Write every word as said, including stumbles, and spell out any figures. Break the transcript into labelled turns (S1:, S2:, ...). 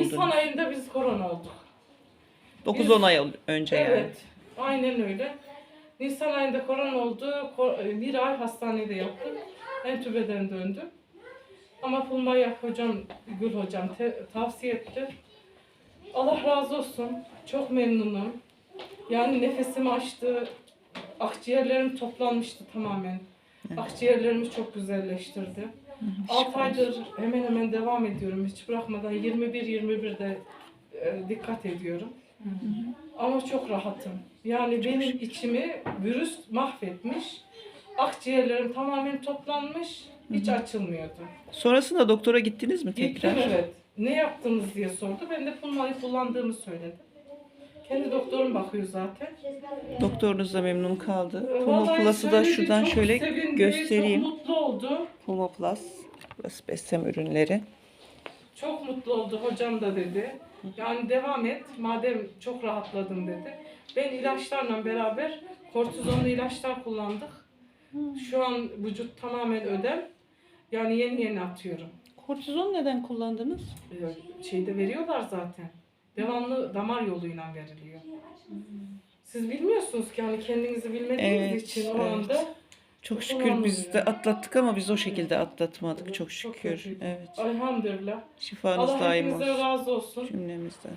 S1: Nisan ayında biz korona olduk.
S2: dokuz on ay önce yani.
S1: Evet. Aynen öyle. Nisan ayında korona oldu. Bir ay hastanede yattım. Entübeden döndüm. Ama Pulmaya hocam, Gül hocam te- tavsiye etti. Allah razı olsun. Çok memnunum. Yani nefesimi açtı. Akciğerlerim toplanmıştı tamamen. Akciğerlerimi çok güzelleştirdi. altı aydır hemen hemen devam ediyorum. Hiç bırakmadan yirmi bir yirmi birde e, dikkat ediyorum. Hı hı. Ama çok rahatım. Yani benim içimi virüs mahvetmiş. Akciğerlerim tamamen toplanmış. Hiç açılmıyordu.
S2: Sonrasında doktora gittiniz mi tekrar?
S1: Gittim, evet. Ne yaptınız diye sordu. Ben de Pulmayı kullandığımı söyledim. Kendi doktorum bakıyor zaten.
S2: Doktorunuz da memnun kaldı.
S1: Ee,
S2: Pulmo
S1: vallahi
S2: Plus'ı da
S1: söyledi,
S2: şuradan
S1: çok
S2: şöyle
S1: sevindi,
S2: göstereyim.
S1: Çok mutlu oldu.
S2: Pulmo Plus. Burası Bessem ürünleri.
S1: Çok mutlu oldu, hocam da dedi. Yani devam et, madem çok rahatladım dedi. Ben ilaçlarla beraber kortizonlu ilaçlar kullandık. Şu an vücut tamamen ödem. Yani yeni yeni atıyorum.
S2: Kortizon neden kullandınız?
S1: Ee, Şeyde veriyorlar zaten. Devamlı damar yoluyla veriliyor. Siz bilmiyorsunuz ki, hani kendinizi bilmediğiniz
S2: Evet,
S1: için o
S2: evet.
S1: anda
S2: Çok şükür biz de atlattık ama biz o şekilde atlatmadık. Çok
S1: çok
S2: şükür.
S1: kötüydü.
S2: Evet.
S1: Elhamdülillah.
S2: Şifanız
S1: Allah
S2: daim
S1: hepinizden
S2: olsun
S1: razı olsun.
S2: cümlemizden.